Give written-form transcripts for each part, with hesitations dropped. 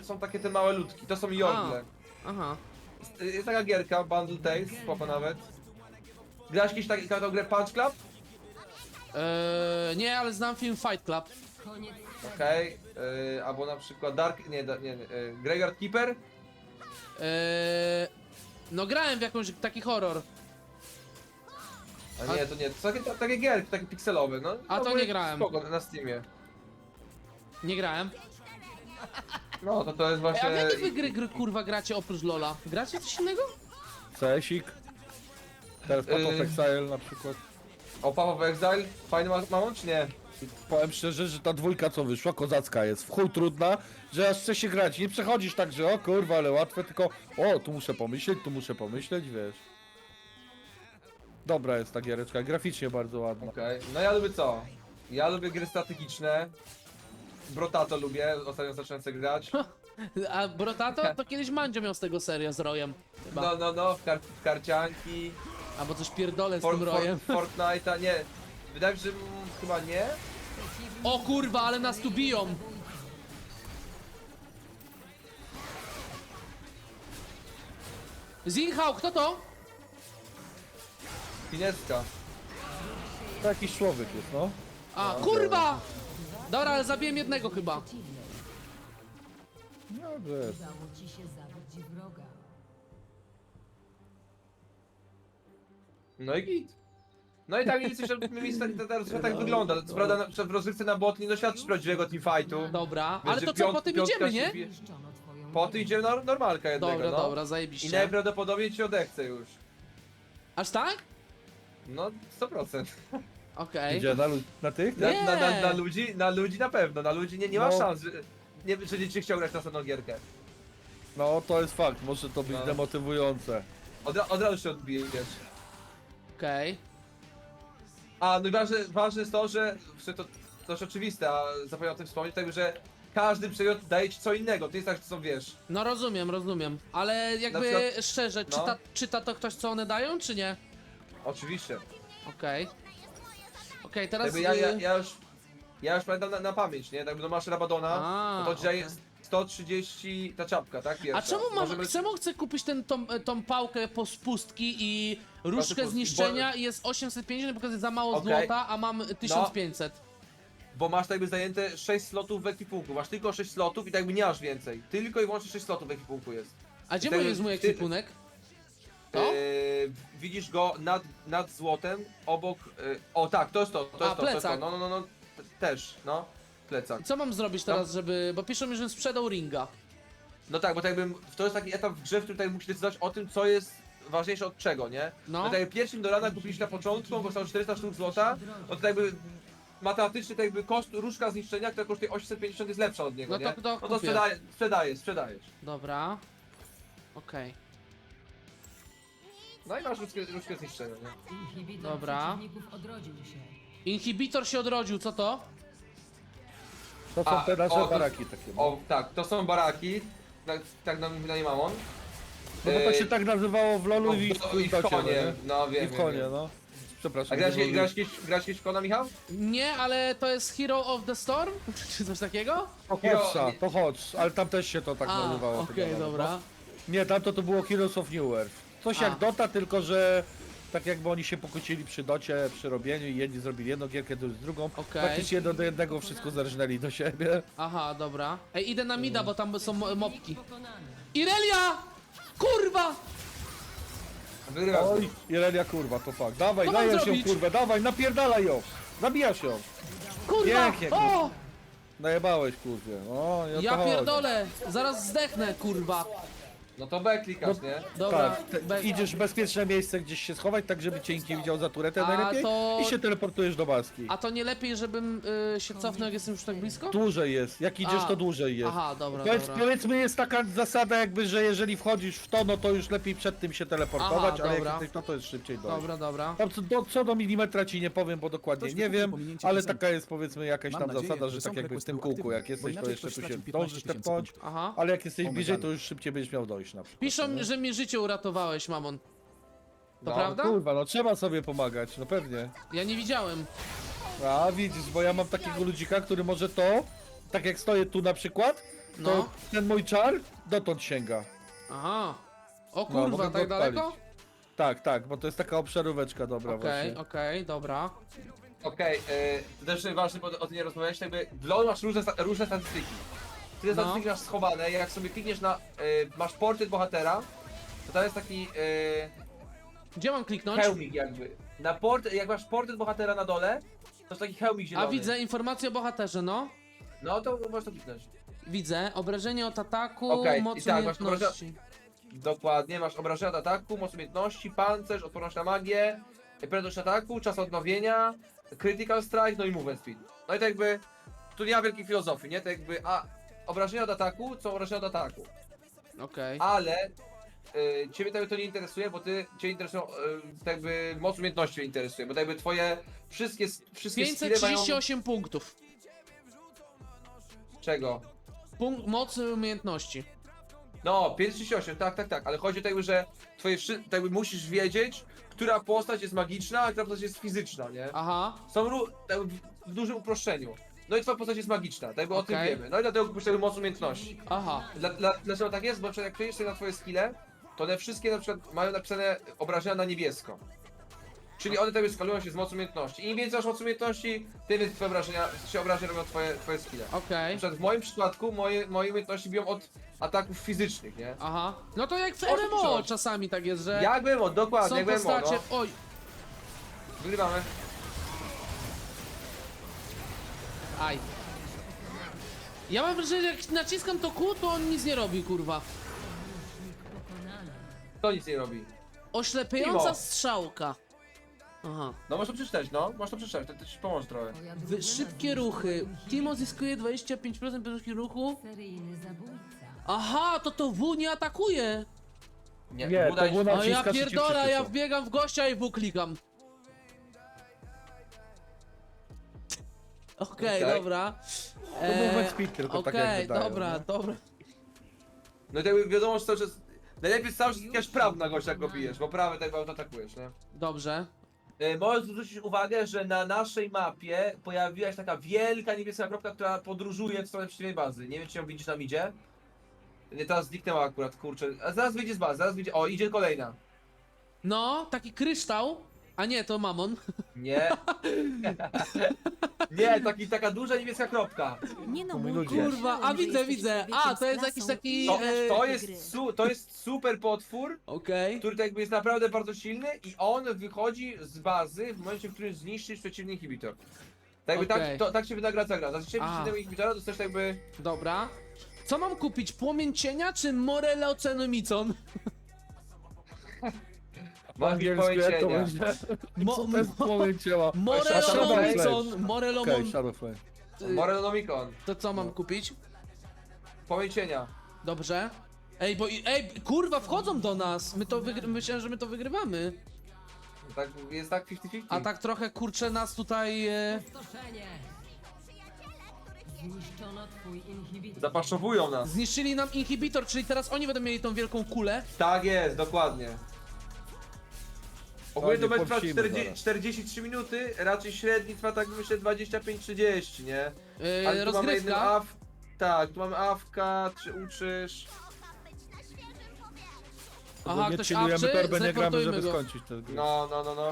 są takie te małe ludki, to są Jorgle. Aha. Jest taka gierka, Bundle Tales, spoko nawet. Grałeś kiedyś taką grę Punch Club? Nie, ale znam film Fight Club. Okej, albo na przykład Dark, Graveyard Keeper? No grałem w jakąś taki horror. A nie, to nie, to są takie gierki, takie pikselowe, no. A to no, nie grałem. Spoko, na Steamie. Nie grałem. No, to jest A właśnie... w jakie wy gry kurwa gracie oprócz LoLa? Gracie coś innego? CS-ik. Teraz Path of Exile na przykład. O, Path of Exile? Fajny mamon, czy nie? Powiem szczerze, że ta dwójka co wyszła, kozacka jest, w chuj trudna, że aż chce się grać. Nie przechodzisz tak, że o kurwa, ale łatwe, tylko o, tu muszę pomyśleć, wiesz. Dobra jest ta giereczka, graficznie bardzo ładna. Okej, no ja lubię co? Ja lubię gry strategiczne. Brotato lubię, ostatnio zacząłem sobie grać. A Brotato to kiedyś Mandzio miał z tego serię z Rojem. Chyba. No, w karcianki. Albo coś pierdolę z tym Rojem. Fortnite'a, nie. Wydaje mi się, że chyba nie. O kurwa, ale nas tu biją! Zinhao, kto to? Fineska. To jakiś człowiek jest, no. A, kurwa! Dobra, ale zabiłem jednego chyba. Dobrze. Udało ci się zabić wroga. No i git. No i tak mniej więcej, że mniej więcej tak wygląda. Co prawda w rozgrywce na bot nie doświadczysz prawdziwego teamfightu. Dobra, Wiesz, ale że to co, po tym piątka idziemy, się nie? bije. Niszczono twoją Po tym idziemy normalka jednego, Dobra, no. dobra, I zajebiście. najprawdopodobniej ci odechce już. Aż tak? No, 100%. Okej. Gdzie, na tych? Nie. Na ludzi na pewno, na ludzi nie ma No. szans, że nie chciał grać na następną gierkę. No to jest fakt, może to być No. demotywujące. Od razu się odbijesz. Okej. A, no i ważne jest to, że to jest oczywiste, a zapomniałem o tym wspomnieć, tak, że każdy przedmiot daje ci co innego, to jest tak, że to są, wiesz, No rozumiem. Ale jakby Na przykład- szczerze, no. czyta to ktoś co one dają, czy nie? oczywiście. Okej. Okej, teraz... Jakby ja już pamiętam na pamięć, nie? Jakby no masz Rabadona, A, no to dzisiaj jest 130 ta czapka, tak? Pierwsza. A czemu chcę kupić tą pałkę po spustki i różdżkę Pustki, zniszczenia i jest 850, bo to jest za mało Okej. złota, a mam 1500. Bo masz tak jakby zajęte 6 slotów w ekwipunku, masz tylko 6 slotów i tak jakby nie masz więcej. Tylko i wyłącznie 6 slotów w ekwipunku jest. A gdzie Ty- jest mój ty- ekwipunek? To? Widzisz go nad złotem, obok... o tak, to jest to, to A, jest to, to jest to. plecak. No, też, no. Plecak. Co mam zrobić teraz, żeby... Bo piszą mi, że sprzedał ringa. No tak, bo tak jakby to jest taki etap w grze, w którym tak musi decydować o tym, co jest ważniejsze od czego, nie? No. No tak jakby pierwszym do rana kupiliśmy na początku, on kosztował 400 sztuk złota, no to tak jakby matematycznie tak jakby koszt różdżka zniszczenia, która kosztuje 850 jest lepsza od niego, No to- nie? to No to kupię. sprzedajesz. Dobra. Okej. No i masz różdżkę zniszczenia, nie? Inhibitor Dobra. przeciwników odrodził się. Inhibitor się odrodził, co to? To są te nasze to- baraki takie. No. O, tak, to są baraki, tak na nie mam on. No bo to się tak nazywało w LoLu i w I w Docie, konie, nie? no I wiem, w konie, wiem. no. Przepraszam. A grałeś nie kiedyś w Kona, Michał? Nie, ale to jest Hero of the Storm? Czy coś takiego? To Hodge, ale tam też się to tak A, nazywało. okej, chyba, no. dobra. Nie, tamto to było Heroes of New Earth. Coś A. jak Dota, tylko że tak jakby oni się pokłócili przy docie, przy robieniu i jedni zrobili jedną gierkę, drugi drugą. Okej. Praktycznie jedno do jednego wszystko zerżnęli do siebie. Aha, dobra. Ej, idę na mida, bo tam są mopki. Pokonany. Irelia! Kurwa! Wygrywasz. Oj, Irelia kurwa, to fakt. Dawaj, Co mam dajesz ją zrobić? kurwę, dawaj, napierdalaj ją! Zabijasz ją! Kurwa! Pięknie, O! Najebałeś kurwie. O, i o to Ja chodzi. pierdolę! Zaraz zdechnę, kurwa! No to B klikasz, nie? Dobra, Tak, idziesz w bezpieczne miejsce gdzieś się schować, tak żeby cię nikt nie widział za turetę A najlepiej to- i się teleportujesz do baski. a to nie lepiej, żebym się cofnął, jak jestem już tak blisko? Dłużej jest, jak idziesz A. to dłużej jest. Aha, dobra, Powiedz, dobra. powiedzmy jest taka zasada jakby, że jeżeli wchodzisz w to, no to już lepiej przed tym się teleportować, Aha, ale dobra. jak jesteś to jest szybciej dojść. Dobra. Tam co do milimetra ci nie powiem, bo dokładnie Ktoś nie wykupił wiem, pominięcie ale piosenki. taka jest powiedzmy jakaś Mam tam nadzieję, zasada, że że są tak jakby w requesty tym u kółku, jak aktywnych, jesteś, bo to inaczej jeszcze ktoś tu się straci zdążysz 15 000 tepnąć, Aha. ale jak jesteś O bliżej, medalu. to już szybciej będziesz miał dojść na przykład. Piszą, nie? że mi życie uratowałeś, mamon. To No, prawda? Kurwa, no trzeba sobie pomagać, no pewnie. Ja nie widziałem. A widzisz, bo ja mam takiego ludzika, który może to, tak jak stoję tu na przykład, No. ten mój czar dotąd sięga. Aha. O No, mogę kurwa, go tak odpalić. daleko? Tak, bo to jest taka obszaróweczka dobra Okej, właśnie. okej, dobra. Okej, to też ważne, bo o tym nie rozmawiałeś, jakby w LoL masz różne statystyki. Ty te No. statystyki masz schowane, jak sobie klikniesz na, masz portret bohatera, to tam jest taki Gdzie mam kliknąć? hełmik jakby. Jak masz portret bohatera na dole, to jest taki hełmik zielony. A widzę informację o bohaterze, no. No to możesz to kliknąć. Widzę, obrażenie od ataku, Okej, moc i tak, masz umiejętności. Dokładnie, masz obrażenia od ataku, moc umiejętności, pancerz, odporność na magię, prędkość ataku, czas odnowienia, critical strike, no i movement speed. No i to jakby, tu nie ma wielkiej filozofii, nie? To jakby, obrażenia od ataku są obrażenia od ataku. Okej. Ale ciebie to nie interesuje, bo cię interesują, tak jakby moc umiejętności mnie interesuje, bo tak jakby twoje wszystkie skille mają... 538 punktów. Czego? Mocy umiejętności. No, 538, tak, ale chodzi o to jakby, że tak jakby musisz wiedzieć, która postać jest magiczna, a która postać jest fizyczna, nie? Aha. Są tak jakby w dużym uproszczeniu. No i twoja postać jest magiczna, tak jakby o tym Okej. wiemy. No i dlatego kupisz sobie moc umiejętności. Aha. Dlaczego tak jest? Bo na przykład jak przejdziesz sobie na twoje skille, to one wszystkie na przykład mają napisane obrażenia na niebiesko. Czyli one sobie skalują się z mocy umiejętności. I im więcej masz mocy umiejętności, tym więcej twoje obrażenia robią twoje skille. Okej. Na przykład w moim przypadku moje umiejętności biją od ataków fizycznych, nie? Aha. No to jak w O czym MMO coś? czasami tak jest, że Jak było, dokładnie, są jak było, postacie... no. Oj. Wygrywamy. Aj. Ja mam wrażenie, że jak naciskam to kół, to on nic nie robi, kurwa. Pokonany. To nic nie robi. Oślepiająca Mimo. strzałka. Aha. No możesz to przeczytać, no. Możesz to przeczytać, to ci pomoże trochę. Twoja drużyna Szybkie ruchy. Timo zyskuje 25% prędkości ruchu. seryjny zabójca. Aha, to W nie atakuje. Nie, to udaj- było na- O ja Naciskasz i cię pierdolę, ja przyciska. wbiegam w gościa i W klikam. Okej, Okej. dobra. To movement speed tylko tak Okej, jakby dają, dobra, nie? dobra. No i tak jakby wiadomo, że cały czas... Najlepiej cały czas klikasz prawo na gościa, jak go bijesz, bo prawy tak bardzo atakujesz, nie? Dobrze. Możesz zwrócić uwagę, że na naszej mapie pojawiła się taka wielka niebieska kropka, która podróżuje w stronę przeciwnej bazy. Nie wiem, czy ją widzisz na midzie. Nie, teraz zniknęła akurat, kurczę. A zaraz wyjdzie z bazy, zaraz wyjdzie... O, idzie kolejna. No, taki kryształ. A nie, to mamon. Nie. Nie, taka duża niebieska kropka. Nie no, mój mój ludzie. Kurwa, a widzę. A, to jest jakiś taki... To jest super potwór, Okej. który tak jakby jest naprawdę bardzo silny i on wychodzi z bazy w momencie, w którym zniszczysz przeciwny inhibitor. Tak jakby Okej. tak się wynagradza gra. Zazwyczaj Aha. przeciwnego inhibitora dostajesz tak jakby... Dobra. Co mam kupić? Płomień cienia czy Morellocenomicon? Po angielsku jak to będzie? Co to jest płomień ciała? Morellonomicon. Morellomon... Okej, Shadow Flame. Morellonomicon. To co mam kupić? Płomień cienia. Dobrze. Ej, kurwa, wchodzą do nas. Myślałem, że my to wygrywamy. Tak, jest tak 50-50. A tak trochę kurczę nas tutaj... Stoszenie. Zniszczono twój inhibitor. Zapaszowują nas. Zniszczyli nam inhibitor, czyli teraz oni będą mieli tą wielką kulę. Tak jest, dokładnie. Ogólnie to nie będzie trwać podsimy zaraz. 43 minuty, raczej średni trwa tak myślę 25-30, nie? Ale tu mamy jedną Rozgrywka. tak, tu mamy awka, czy uczysz. Aha, nie ktoś chillujemy awczy, torbę, nie gramy, żeby zreportujmy go. skończyć tę grę. No.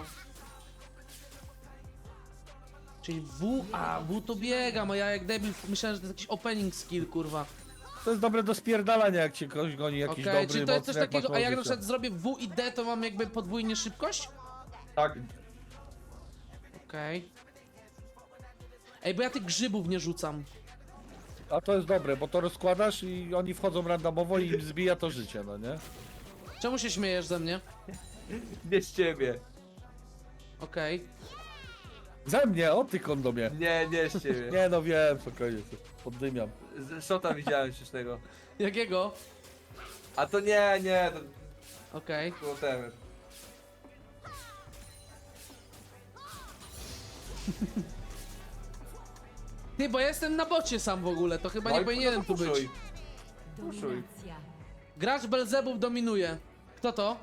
Czyli W to biegam, a ja jak debil myślałem, że to jest jakiś opening skill, kurwa. To jest dobre do spierdalania, jak cię ktoś goni, jakiś Okej, dobry, czyli to jest mocny, coś jak takiego, masz a jak na życia. przykład zrobię W i D, to mam jakby podwójnie szybkość? Tak. Okej. Ej, bo ja tych grzybów nie rzucam. A to jest dobre, bo to rozkładasz i oni wchodzą randomowo i im zbija to życie, no nie? Czemu się śmiejesz ze mnie? Nie z ciebie. Okej. Ze mnie, o ty kondomie. Nie z ciebie. Nie no wiem, spokojnie, poddymiam. Szota widziałem śmiesznego. Jakiego? A to nie, to Okej. było temat. Ty, bo ja jestem na bocie sam w ogóle, to chyba nie powinienem tu być. Dominacja. Gracz Belzebub dominuje. Kto to?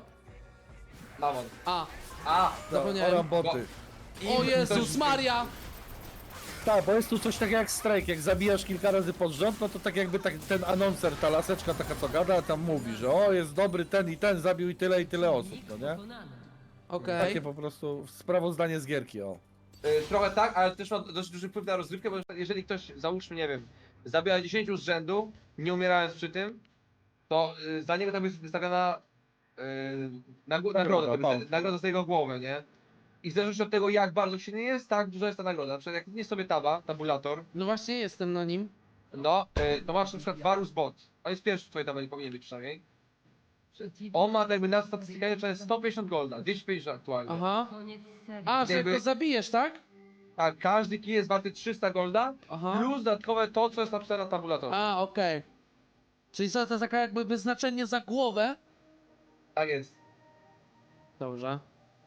Mamon. A. A! Zapomniałem. Oram boty. O Jezus Maria! Tak, bo jest tu coś takiego jak strajk, jak zabijasz kilka razy pod rząd, no to tak jakby ten anonser, ta laseczka taka co gada, tam mówi, że o, jest dobry ten i ten, zabił i tyle osób, no nie? Pokonany. Okej. Takie po prostu sprawozdanie z gierki, o. Trochę tak, ale też ma dość duży wpływ na rozgrywkę, bo jeżeli ktoś, załóżmy, nie wiem, zabija 10 z rzędu, nie umierając przy tym, to za niego tam jest wystawiona nagroda, no. nagroda za jego głowę, nie? I w zależności od tego, jak bardzo silny jest, tak duża jest ta nagroda. Na przykład jak nie sobie tabulator, No właśnie jestem na nim. no, to masz na przykład Varus Bot. On jest pierwszy w twojej tabeli, powinien być przynajmniej. Przeciwnik. On ma jakby na statystykę, że jest 150 golda, 250 aktualnie. Aha. Koniec serii. A, że Jakby- go zabijesz, tak? Tak, każdy kill jest warty 300 golda, Aha. plus dodatkowe to, co jest napisane na tabulatorze. A, okej. Czyli to taka jakby wyznaczenie za głowę? Tak jest. Dobrze.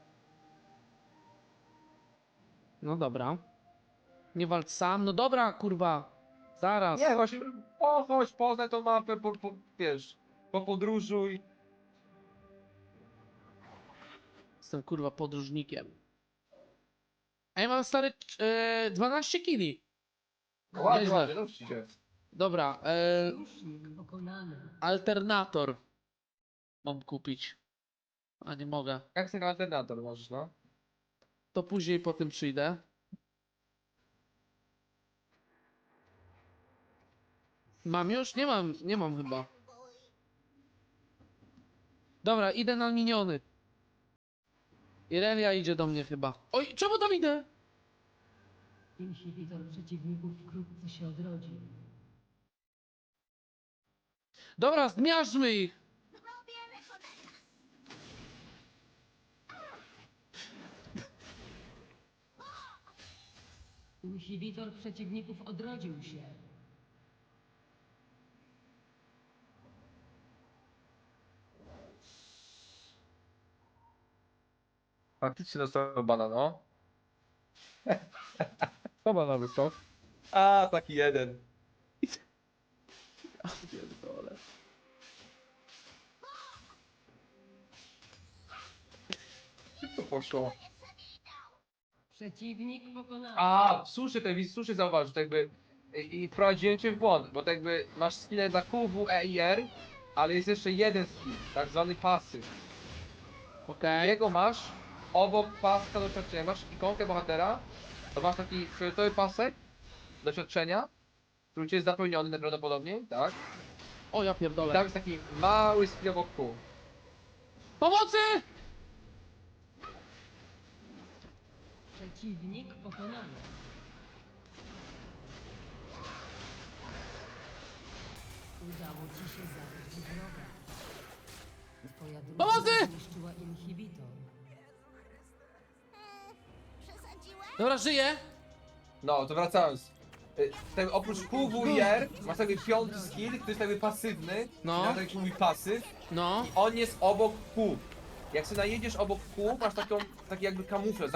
No dobra. Nie walcz sam. No dobra, kurwa. Zaraz. Nie, właśnie, chodź, poznaj tą mapę, wiesz, podróżuj. Jestem kurwa podróżnikiem. A ja mam stary 12 kili. Ładnie, Nieźle. ładnie, no się. Dobra, Sojusznik pokonany. alternator mam kupić. A nie mogę. Jak ten alternator możesz, no? To później po tym przyjdę. Mam już? Nie mam chyba. Dobra, idę na miniony. Irelia idzie do mnie chyba. Oj, czemu tam idę? Inhibitor przeciwników wkrótce się odrodzi. Dobra, zmiażdżmy ich! Inhibitor przeciwników odrodził się. Faktycznie dostał bana, no. Co ma na to? A, taki jeden. To poszło. Przeciwnik pokonany. A, słusznie zauważył, to jakby i wprowadziłem cię w błąd, bo to jakby masz skille na Q, W, E i R, ale jest jeszcze jeden skill, tak zwany pasyw. Okej. Jego masz obok paska doświadczenia, masz ikonkę bohatera, to masz taki fioletowy pasek doświadczenia, który ci jest zapełniony najprawdopodobniej, tak? O, ja I pierdolę. tam jest taki mały skill obok Q. Pomocy! Przeciwnik pokonany. Udało ci się zabić wroga. Twoja Pomocy! drużyna zniszczyła inhibitor. Dobra, żyję. No, to wracając. Oprócz Q, W i R masz jakby piąty skill, który jest jakby pasywny, No. no. tak się mówi pasyw. No. I on jest obok Q. Jak sobie najedziesz obok Q, masz taki jakby kamuflaż,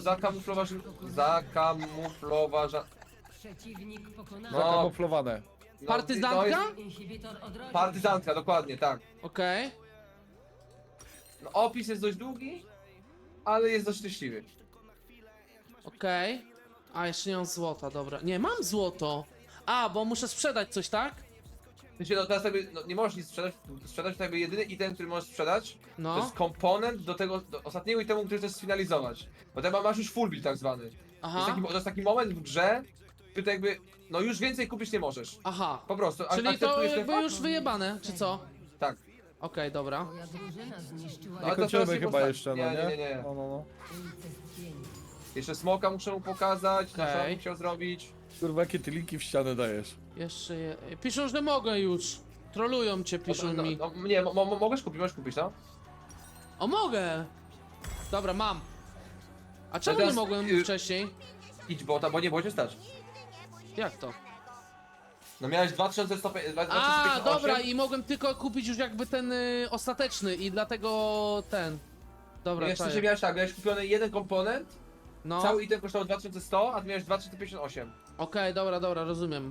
zakamufloważa... Przeciwnik pokonany. No. Zakamuflowane. No, Partyzantka? to jest Inhibitor odrodził. Partyzantka, dokładnie, tak. Okej. No, opis jest dość długi, ale jest dość szczęśliwy. Okej. A, jeszcze nie mam złota, dobra. Nie, mam złoto. A, bo muszę sprzedać coś, tak? Wiecie, no teraz jakby, no, nie możesz nic sprzedać to jakby jedyny item, który możesz sprzedać, to No. jest komponent do tego, do ostatniego itemu, który chcesz sfinalizować. Bo teraz masz już full build tak zwany. Aha. To jest taki moment w grze, który to jakby, no już więcej kupić nie możesz. Aha. Po prostu, Czyli to akceptujesz ten jakby fakt? już wyjebane, czy co? Tak. Okej, dobra. Twoja drużyna zniszczyła No, ale to Kończymy teraz chyba postaci. jeszcze, no Nie, nie? nie, nie. No, no, no. unicestwienie. Jeszcze smoka muszę mu pokazać, na co Okej. bym chciał zrobić. Kurwa, jakie ty linki w ścianę dajesz? Jeszcze je... Piszą, że mogę już. Trolują cię, piszą no, mi. no, nie, możesz kupić, no. O, mogę! Dobra, mam. A czemu teraz, nie mogłem wcześniej? Idź bota, bo nie było cię stać. Jak to? No miałeś 2158. A, dobra, i mogłem tylko kupić już jakby ten ostateczny i dlatego ten. Dobra, Jeszcze, że czaję. miałeś tak, miałeś kupiony jeden komponent, No, cały item kosztował 2100, a ty miałeś 2058. okej, dobra, rozumiem.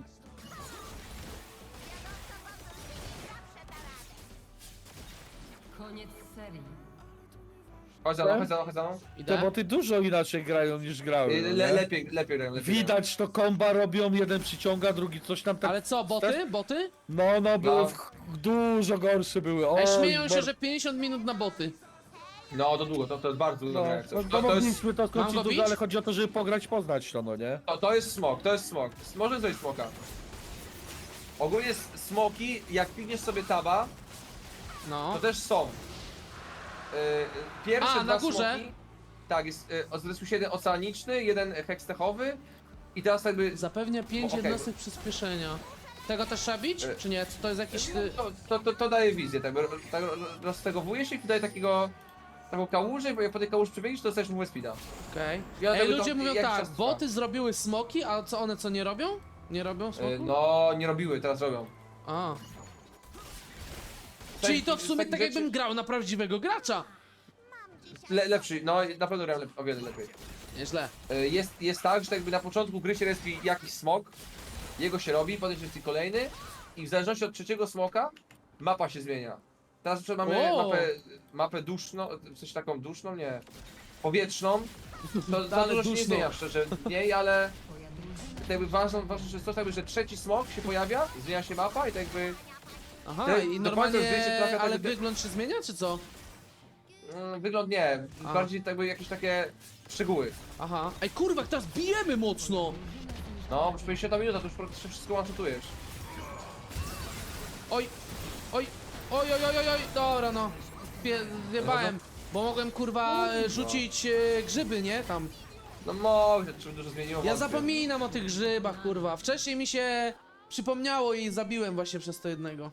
Koniec serii. Chodź za mną, chodź za mną, chodź za mną. Te Idę. boty dużo inaczej grają niż grały. no nie? Lepiej grają, lepiej grają. Widać to komba robią, jeden przyciąga, drugi coś tam tak. Ale co, boty? Boty? No, były No. dużo gorsze były. O, Ej, śmieją się, że 50 minut na boty. No, to długo, to jest bardzo długo No, gra jak coś. no, To jest, mogliśmy to Mam skończyć go dużo, bić? ale chodzi o to, żeby pograć, poznać to, no nie? to jest smok, to jest smok. Może zrobić smoka. Ogólnie smoki, jak pigniesz sobie taba, No. to też są. Pierwsze A, dwa na górze? smoki. Tak, jest zresztą jeden oceaniczny, jeden hekstechowy. I teraz jakby. Zapewnia 5 Okej. jednostek przyspieszenia. Tego też trzeba bić? Czy nie? To jest jakiś... To daje wizję, tak roztegowuje się i daje taką kałużę, i jak po tej kałuży przebiegniesz, to dostajesz mu speeda. Okej. Ja Ej, tego ludzie to mówią jakiś tak, czas trwa. boty zrobiły smoki, a co one co nie robią? Nie robią smoku? No, nie robiły, teraz robią. A. Czyli to w sumie takich tak rzeczy- jakbym grał na prawdziwego gracza. Lepszy, no na pewno grałem o wiele lepiej. Nieźle. Jest tak, że jakby na początku gry się respi jakiś smok, jego się robi, potem się respi kolejny i w zależności od trzeciego smoka mapa się zmienia. Teraz na przykład mamy O! mapę duszną, coś taką duszną, nie, powietrzną. To za Ale dużo się nie duszną. zmienia szczerze w niej, ale jakby ważne jest to, jakby, że trzeci smok się pojawia, zmienia się mapa i tak jakby Aha, Te- i do normalnie, końca zdjęcie trafia tak ale jakby- wygląd się zmienia, czy co? wygląd nie, A. bardziej tak jakby jakieś takie szczegóły. Aha. Ej, kurwa, jak teraz bijemy mocno! No, już 50 minuta, to już praktycznie wszystko one-shotujesz. Oj, oj, oj, oj, oj, oj, oj. Dobra, no. Wjebałem, bo mogłem, kurwa, rzucić grzyby, nie? Tam. No może, czy dużo zmieniło. Ja wątpię. zapominam o tych grzybach, kurwa. Wcześniej mi się przypomniało i zabiłem właśnie przez to jednego.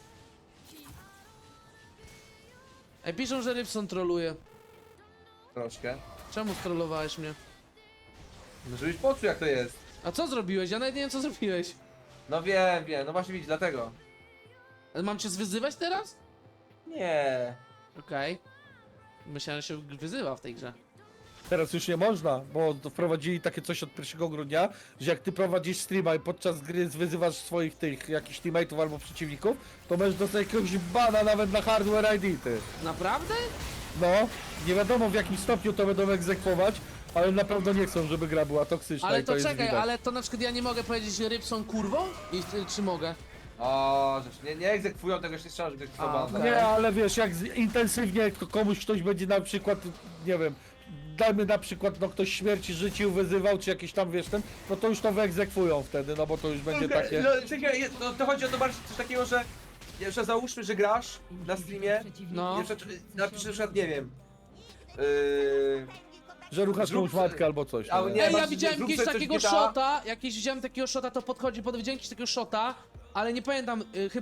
Ej, piszą, że Rybson troluje. Troszkę. Czemu strollowałeś mnie? No żebyś poczuł jak to jest. A co zrobiłeś? Ja nawet nie wiem, co zrobiłeś. No wiem, no właśnie widzisz, dlatego. Ale mam cię zwyzywać teraz? Nie. Okej. Myślałem, że się wyzywa w tej grze. Teraz już nie można, bo to wprowadzili takie coś od 1 grudnia, że jak ty prowadzisz streama i podczas gry wyzywasz swoich tych jakichś teammateów albo przeciwników, to możesz dostać jakiegoś bana nawet na hardware ID, ty. Naprawdę? No, nie wiadomo w jakim stopniu to będą egzekwować, ale na pewno nie chcą, żeby gra była toksyczna Ale i to to jest czekaj, widać. ale to na przykład ja nie mogę powiedzieć Rybson kurwą? Czy mogę? O, rzecz, nie egzekwują tego, jeszcze strzelam, że A, egzekwują. okej. Nie, ale wiesz, jak intensywnie komuś ktoś będzie na przykład, nie wiem, dajmy na przykład, no ktoś śmierci życiu wyzywał, czy jakiś tam, wiesz, ten, no to już to wyegzekwują wtedy, no bo to już będzie takie... No, to chodzi o to bardziej coś takiego, że jeszcze załóżmy, że grasz na streamie, No. napisz na przykład, nie wiem, Że ruchasz Zrób komuś se- matkę albo coś. A, no nie, Ej, ja masz- widziałem zrób jakiegoś sobie coś takiego GTA. shota, widziałem takiego shota, to podchodzi, widziałem jakiegoś takiego shota, ale nie pamiętam,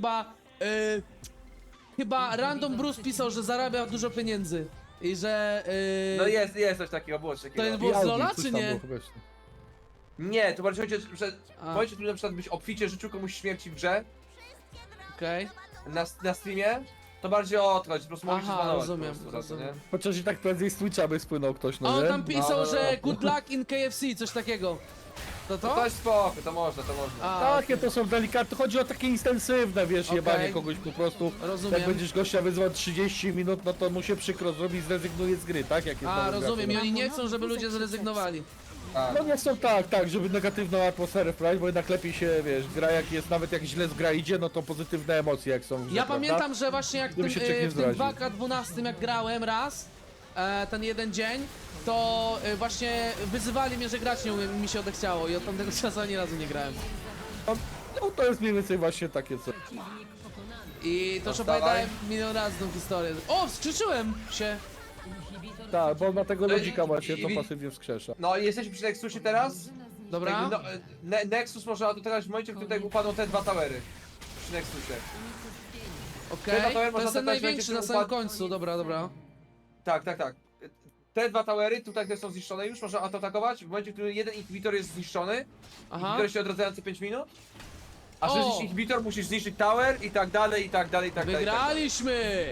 chyba Random Bruce pisał, że zarabia dużo pieniędzy. I że... no jest coś takiego, było coś takiego. To jest I było z Audi, Lola, coś czy tam nie? było chyba jeszcze. Nie, to bardziej chodzi, że A. w momencie, w którym na przykład byś obficie życzył komuś śmierci w grze, Okej. na streamie, to bardziej o to chodzi, po prostu mogę się Aha, zbanować rozumiem, po prostu za to, nie? rozumiem. Chociaż i tak prędzej z Twitcha by spłynął ktoś, A no on nie? tam pisał, no, że no. good luck in KFC, coś takiego. To To to? jest spoko, to można. A, Takie to są delikatne, chodzi o takie intensywne, wiesz, Okej. jebanie kogoś po prostu. rozumiem. Jak będziesz gościa wyzwał 30 minut, no to mu się przykro zrobi i zrezygnuje z gry, tak? Jak jest A, nowy rozumiem. I gracz, oni nie chcą, żeby ludzie zrezygnowali. Tak. no nie są tak, żeby negatywną atmosferę wprowadzić, bo jednak lepiej się, wiesz, gra jak jest, nawet jak źle z gra idzie, no to pozytywne emocje jak są w grze, Ja prawda? pamiętam, że właśnie jak Gdyby się człowiek nie w tym zraził. 2K12 jak grałem raz, ten jeden dzień, to właśnie wyzywali mnie, że grać nie umiem i mi się odechciało i od tamtego czasu ani razu nie grałem. No to jest mniej więcej właśnie takie co. I to już Dawaj. opowiadałem milion razy tą historię. O, wskrzyczyłem się! Tak, bo na tego No i- lodzika właśnie to i- pasywnie wskrzesza. No i jesteśmy przy Nexusie teraz. Dobra? Jakby, no, Nexus można dotarać w momencie, w którym tutaj upadną te dwa towery. Przy Nexusie. Okej, to to można jest ten zabrać największy na będzie samym upadł- końcu, dobra, dobra. Tak. Te dwa towery, tutaj które są zniszczone już, można atakować w momencie, w którym jeden inhibitor jest zniszczony. Aha. Inhibitor się odradzają co 5 minut. A O! żeby zniszczyć inhibitor, musisz zniszczyć tower i tak dalej, i tak dalej, i tak dalej. Wygraliśmy!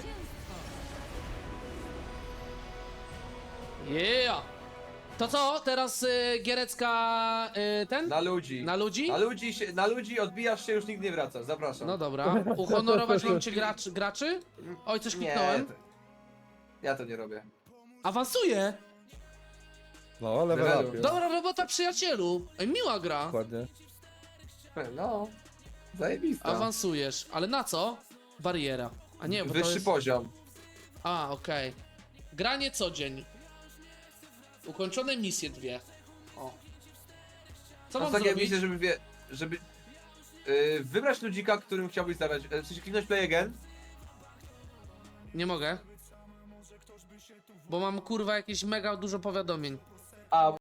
Yeah! To co, teraz Gierecka ten? Na ludzi. Na ludzi? Na ludzi odbijasz się, już nigdy nie wracasz. Zapraszam. No dobra. Uhonorować liczcie graczy? Oj, coś Nie, kliknąłem. ja to nie robię. Awansuje! No, level Levelu. up. Dobra robota, przyjacielu! Ej, miła gra. Dokładnie. No, zajebista. Awansujesz, ale na co? Bariera. A nie, bo to Wyższy jest... poziom. A, okej. Granie co dzień. Ukończone misje 2. O. Co Mam mam takie zrobić? misje, żeby wybrać ludzika, którym chciałbyś zagrać. W sensie kliknąć play again. Nie mogę. Bo mam kurwa jakieś mega dużo powiadomień. A